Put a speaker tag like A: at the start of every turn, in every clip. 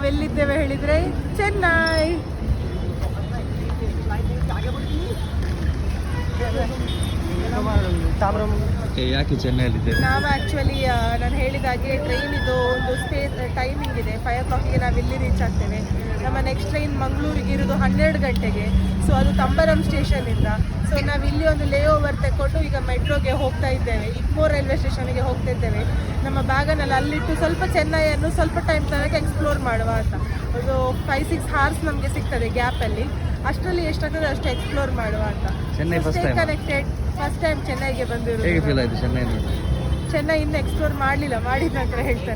A: ನಾವೆಲ್ಲಿದ್ದೇವೆ ಹೇಳಿದರೆ ಚೆನ್ನೈ.
B: ಯಾಕೆ ಚೆನ್ನೈಯಲ್ಲಿದೆ?
A: ನಾವು ಆ್ಯಕ್ಚುಲಿ ನಾನು ಹೇಳಿದಾಗೆ ಟ್ರೈನ್ ಇದು ಒಂದು ಟೈಮಿಂಗ್ ಇದೆ. 5 o'clock ನಾವು ಇಲ್ಲಿ ರೀಚ್ ಆಗ್ತೇವೆ. ನಮ್ಮ ನೆಕ್ಸ್ಟ್ ಟ್ರೈನ್ ಮಂಗಳೂರಿಗೆ ಇರೋದು 12 ಗಂಟೆಗೆ. ಸೊ ಅದು ತಂಬರಂ ಸ್ಟೇಷನಿಂದ. ಸೊ ನಾವು ಇಲ್ಲಿ ಒಂದು ಲೇ ಓವರ್ ತೆಕ್ಕೊಂಡು ಈಗ ಮೆಟ್ರೋಗೆ ಹೋಗ್ತಾ ಇದ್ದೇವೆ. ಇಗ್ಮೋರ್ ರೈಲ್ವೆ ಸ್ಟೇಷನ್ಗೆ ಹೋಗ್ತಾ ಇದ್ದೇವೆ. ನಮ್ಮ ಬ್ಯಾಗನ್ನೆಲ್ಲ ಅಲ್ಲಿಟ್ಟು ಸ್ವಲ್ಪ ಚೆನ್ನೈಯನ್ನು ಸ್ವಲ್ಪ ಟೈಮ್ ತನಕ ಎಕ್ಸ್ಪ್ಲೋರ್ ಮಾಡುವ ಅಂತ. ಒಂದು 5-6 hours ನಮಗೆ ಸಿಗ್ತದೆ ಗ್ಯಾಪಲ್ಲಿ. ಅಷ್ಟರಲ್ಲಿ ಎಷ್ಟಾಗ್ತದೆ ಅಷ್ಟು ಎಕ್ಸ್ಪ್ಲೋರ್ ಮಾಡುವ ಅಂತ.
B: ಚೆನ್ನೈ
A: ಕನೆಕ್ಟೆಡ್. ಫಸ್ಟ್ ಟೈಮ್ ಚೆನ್ನೈಗೆ ಬಂದಿರೋದು.
B: ಹೇಗೆ ಫೀಲ್ ಆಯಿತು ಚೆನ್ನೈ?
A: ಚೆನ್ನೈ ಇನ್ನು ಎಕ್ಸ್ಪ್ಲೋರ್ ಮಾಡಲಿಲ್ಲ, ಮಾಡಿದ ನಂತರ ಹೇಳ್ತಾನೆ.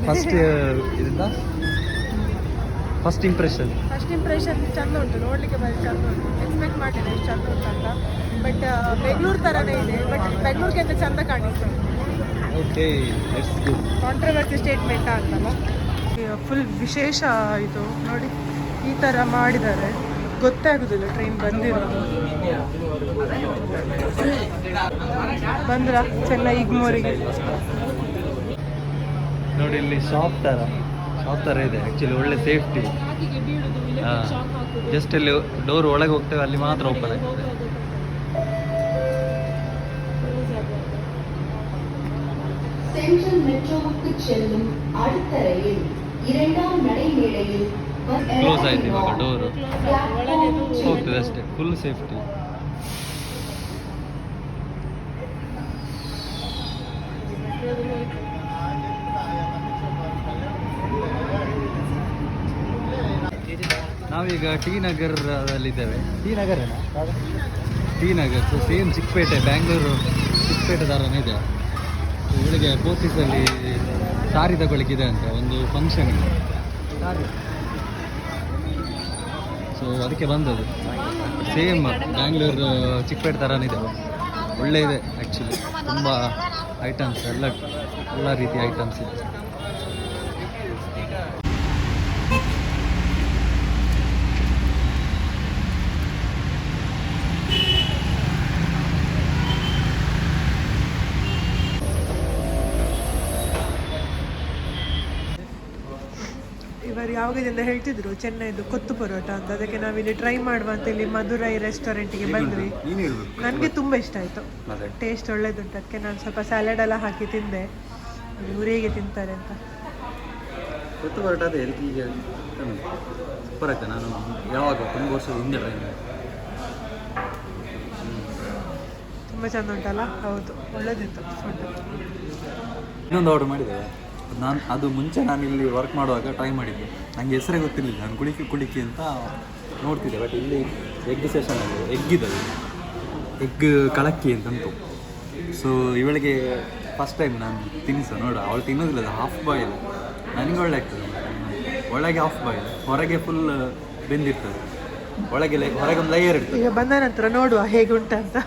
B: ಫಸ್ಟ್ ಇಂಪ್ರೆಷನ್
A: ಚಂದ ಉಂಟು, ನೋಡಲಿಕ್ಕೆ ಬರೀ ಚಂದ ಉಂಟು. ಎಕ್ಸ್ಪೆಕ್ಟ್ ಮಾಡಿದೆ ಎಷ್ಟು ಚಂದ ಉಂಟು ಅಂತ. ಬಟ್ ಬೆಂಗಳೂರು ಥರನೇ ಇದೆ, ಬಟ್ ಬೆಂಗಳೂರಿಗಿಂತ ಚಂದ ಕಾಣಿಸ್ತದೆ.
B: ಓಕೆ,
A: ಕಾಂಟ್ರವರ್ಸಿ ಸ್ಟೇಟ್ಮೆಂಟ್ ಅಂತಲ್ಲ. ಫುಲ್ ವಿಶೇಷ ಇದು ನೋಡಿ, ಈ ಥರ ಮಾಡಿದ್ದಾರೆ. ಗೊತ್ತೇ ಆಗೋದಿಲ್ಲ ಟ್ರೈನ್ ಬಂದಿರೋದು. ಬಂದ್ರ ಚೆನ್ನೈ ಇಗ್ಮೋರಿಗೆ
B: ನೋಡಿ, ಇಲ್ಲಿ ಶಾಪ್ ಥರ ಇದೆ. ಆ್ಯಕ್ಚುಲಿ ಒಳ್ಳೆ ಸೇಫ್ಟಿ. ಜಸ್ಟ್ ಇಲ್ಲಿ ಡೋರ್ ಒಳಗೆ ಹೋಗ್ತೇವೆ, ಅಲ್ಲಿ ಮಾತ್ರ ಓಪನ್ ಆಗ್ತದೆ.
C: சென்ட்ரல் மெட்ரோவுக்கு செல்லும் அடுத்த ரயில் 2ஆம் நடைமேடையில்
B: ಕ್ಲೋಸ್ ಆಯ್ತು ಇವಾಗ ಡೋರು. ಹೋಗ್ತದೆ ಅಷ್ಟೇ, ಫುಲ್ ಸೇಫ್ಟಿ. ನಾವೀಗ ಟಿ ನಗರದಲ್ಲಿದ್ದೇವೆ. ಟಿ ನಗರ್ ಸೇಮ್ ಚಿಕ್ಕಪೇಟೆ, ಬ್ಯಾಂಗ್ಳೂರು ಚಿಕ್ಕಪೇಟೆ ಥರನೇ ಇದೆ. ಇವಳಿಗೆ ಪೋರ್ಟಿಸಲ್ಲಿ ಸಾರಿ ತಗೊಳ್ಳಿಕ್ಕಿದೆ ಅಂತ ಒಂದು ಫಂಕ್ಷನ್ ಇದೆ. ಸೊ ಅದಕ್ಕೆ ಬಂದದ್ದು. ಸೇಮ್ ಬ್ಯಾಂಗ್ಳೂರು ಚಿಕ್ಕಪೇಟೆ ಥರನೇ ಇದೆ. ಒಳ್ಳೆ ಇದೆ ಆ್ಯಕ್ಚುಲಿ. ತುಂಬ ಐಟಮ್ಸ್, ಎಲ್ಲ ರೀತಿಯ ಐಟಮ್ಸ್ ಇದೆ.
A: ಇವರು ಯಾವಾಗದಿಂದ ಹೇಳ್ತಿದ್ರು ಚೆನ್ನೈದು ಕೊತ್ತು ಪರೋಟ ಅಂತ. ಅದಕ್ಕೆ ನಾವಿಲ್ಲಿ ಟ್ರೈ ಮಾಡುವ ಅಂತ ಇಲ್ಲಿ ಮಧುರೈ ರೆಸ್ಟೋರೆಂಟಿಗೆ ಬಂದ್ವಿ. ನನಗೆ ತುಂಬ ಇಷ್ಟ ಆಯಿತು, ಟೇಸ್ಟ್ ಒಳ್ಳೇದುಂಟು. ಅದಕ್ಕೆ ನಾನು ಸ್ವಲ್ಪ ಸ್ಯಾಲಡ್ ಎಲ್ಲ ಹಾಕಿ ತಿಂದೆ. ಇವ್ರು ಹೇಗೆ ತಿಂತಾರೆ ಅಂತ.
B: ಕೊತ್ತು ಪರೋಟ ಅದೇ ಈಗ ಸೂಪರ್ ಆಯ್ತು. ನಾನು ಯಾವಾಗ ತುಂಬ ವರ್ಷದ ಹಿಂದೆ ಟ್ರೈ ಮಾಡಿದೆ.
A: ತುಂಬ ಚೆಂದ ಉಂಟಲ್ಲ? ಹೌದು, ಒಳ್ಳೇದಿತ್ತು ಫುಡ್.
B: ಇನ್ನೊಂದು ಆರ್ಡರ್ ಮಾಡಿದೆ ನಾನು. ಅದು ಮುಂಚೆ ನಾನು ಇಲ್ಲಿ ವರ್ಕ್ ಮಾಡುವಾಗ ಟ್ರೈ ಮಾಡಿದ್ದೆ. ನನಗೆ ಹೆಸರೇ ಗೊತ್ತಿರಲಿಲ್ಲ. ನಾನು ಕುಳಿಕೆ ಅಂತ ನೋಡ್ತಿದ್ದೆ. ಬಟ್ ಇಲ್ಲಿ ಎಗ್ ಸೆಷನಲ್ಲಿ ಎಗ್ ಕಳಕ್ಕಿ ಅಂತಂತು. ಸೊ ಇವಳಿಗೆ ಫಸ್ಟ್ ಟೈಮ್ ನಾನು ತಿನ್ನಿಸು ನೋಡು. ಅವಳು ತಿನ್ನೋದಿಲ್ಲ, ಅದು ಹಾಫ್ ಬಾಯ್ಲ್. ನನಗೆ ಒಳ್ಳೆ ಆಗ್ತದೆ. ಒಳಗೆ ಹಾಫ್ ಬಾಯ್ಲ್, ಹೊರಗೆ ಫುಲ್ ಬೆಂದಿರ್ತದೆ. ಹೊರಗೆ ಒಂದು ಲೇಯರ್ ಇರ್ತದೆ.
A: ಈಗ ಬಂದ ನಂತರ ನೋಡುವ ಹೇಗೆ ಉಂಟಂತ.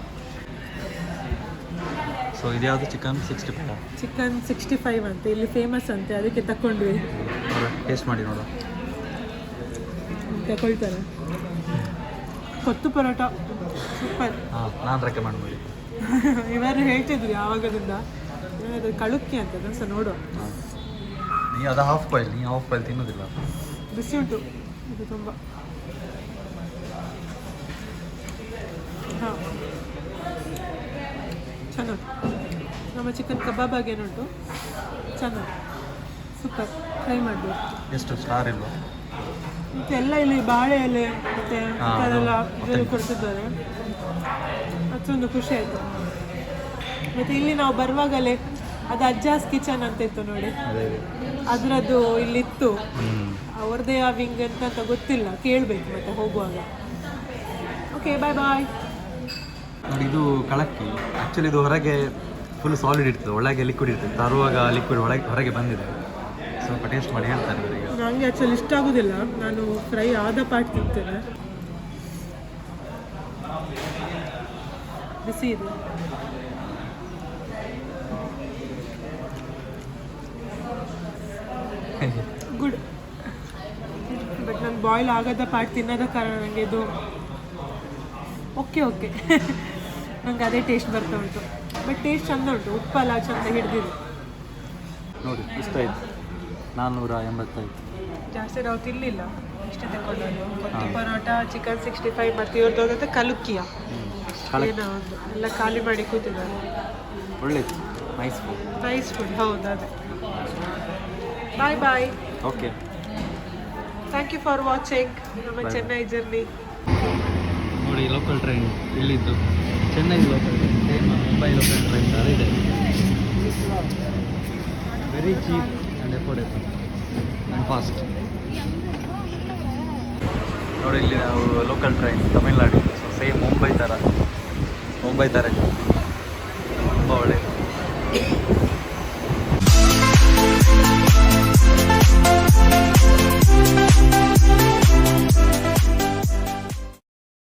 B: ಸೊ ಇದ್ಯಾವುದು ಚಿಕನ್
A: 65 ಅಂತ ಇಲ್ಲಿ ಫೇಮಸ್ ಅಂತೆ, ಅದಕ್ಕೆ ತಗೊಂಡ್ವಿ.
B: ಟೇಸ್ಟ್ ಮಾಡಿ ನೋಡುವ.
A: ತಗೊಳ್ತಾರೆ. ಕೊತ್ತು ಪರೋಟ ಸೂಪರ್.
B: ನಾನು ರೆಕಮೆಂಡ್ ಮಾಡಿ.
A: ಇವರು ಹೇಳ್ತಿದ್ರು ಯಾವಾಗದಿಂದ ಕಳುಕ್ಕಿ ಅಂತ. ಸಹ ನೋಡುವ.
B: ನೀ ಅದು ಹಾಫ್ ಬಾಯ್ಲ್ ತಿನ್ನೋದಿಲ್ಲ.
A: ಬಿಸಿ ಉಂಟು ಇದು ತುಂಬ. ಹಾಂ, ಚೆನ್ನಾಗಿ. ನಮ್ಮ ಚಿಕನ್ ಕಬಾಬ್ ಆಗೇನುಂಟು, ಚೆನ್ನಾಗಿ ಸೂಪರ್. ಟ್ರೈ ಮಾಡಬೇಕು.
B: ಎಷ್ಟು ಸ್ಟಾರ್ ಇಲ್ವಾ?
A: ಮತ್ತು ಎಲ್ಲ ಇಲ್ಲಿ ಬಾಳೆ ಎಲೆ ಮತ್ತು ಅದೆಲ್ಲ ಕೊಡ್ತಿದ್ದಾರೆ. ಅದೊಂದು ಖುಷಿ ಆಯಿತು. ಮತ್ತು ಇಲ್ಲಿ ನಾವು ಬರುವಾಗಲೇ ಅದು ಅಜ್ಜಾಸ್ ಕಿಚನ್ ಅಂತ ಇತ್ತು ನೋಡಿ, ಅದರದ್ದು ಇಲ್ಲಿತ್ತು. ಅವ್ರದ್ದೇ ಆ ವಿಂಗ್ ಅಂತ ಗೊತ್ತಿಲ್ಲ, ಕೇಳಬೇಕು ಮತ್ತೆ ಹೋಗುವಾಗ. Okay, bye.
B: ನೋಡಿ, ಇದು ಕಳಕ್ಕಿ. ಆ್ಯಕ್ಚುಲಿ ಇದು ಹೊರಗೆ ಫುಲ್ ಸಾಲಿಡ್ ಇರ್ತದೆ, ಒಳಗೆ ಲಿಕ್ವಿಡ್ ಇರ್ತದೆ. ತರುವಾಗ ಲಿಕ್ವಿಡ್ ಹೊರಗೆ ಬಂದಿದೆ. ಸ್ವಲ್ಪ ಟೇಸ್ಟ್ ಮಾಡಿ ಹೇಳ್ತಾರೆ ಇವರಿಗೆ.
A: ನನಗೆ ಆ್ಯಕ್ಚುಲಿ ಇಷ್ಟ ಆಗೋದಿಲ್ಲ, ನಾನು ಫ್ರೈ ಆದ ಪಾರ್ಟ್ ತಿಂತೇನೆ. ಬಿಸಿ ಇದೆ. ಗುಡ್. ಬಟ್ ನಾನು ಬಾಯ್ಲ್ ಆಗದ ಪಾರ್ಟ್ ತಿನ್ನೋದ ಕಾರಣ ನನಗೆ ಇದು ಓಕೆ ನಂಗೆ ಅದೇ ಟೇಸ್ಟ್ ಬರ್ತಾ ಉಂಟು. ಬಟ್ ಟೇಸ್ಟ್ ಚಂದ ಉಂಟು, ಉಪ್ಪೆಲ್ಲ ಚಂದ ಹಿಡಿದಿದೆ.
B: ನೋಡಿ, ಇಷ್ಟ ಆಯಿತು. 485.
A: ಜಾಸ್ತಿ ನಾವು ತಿನ್ನಲಿಲ್ಲ, ಇಷ್ಟೇ ತಗೊಂಡದ್ದು. ಕೊತ್ತಿ ಪರೋಟ, ಚಿಕನ್ 65 ಮತ್ತು ಇವ್ರದ್ದು ಹೋಗುತ್ತೆ ಕಲುಕ್ಕಿಯ ಏನೋ ಒಂದು ಎಲ್ಲ ಖಾಲಿ ಮಾಡಿ ಕೂತಿದ್ದಾರೆ.
B: ಒಳ್ಳೇದು, ನೈಸ್ ಫುಡ್.
A: ನೈಸ್ ಫುಡ್, ಹೌದು ಅದೇ. Bye bye.
B: Okay,
A: thank you for watching ನಮ್ಮ ಚೆನ್ನೈ ಜರ್ನಿ.
B: ನೋಡಿ ಲೋಕಲ್ ಟ್ರೈನ್ ಇಲ್ಲಿದ್ದು, Chennai local train, same Mumbai local train ಥರ ಇದೆ. Very cheap and affordable and fast. ನೋಡಿ ಇಲ್ಲಿ ನಾವು local train Tamil Nadu, same Mumbai ಥರ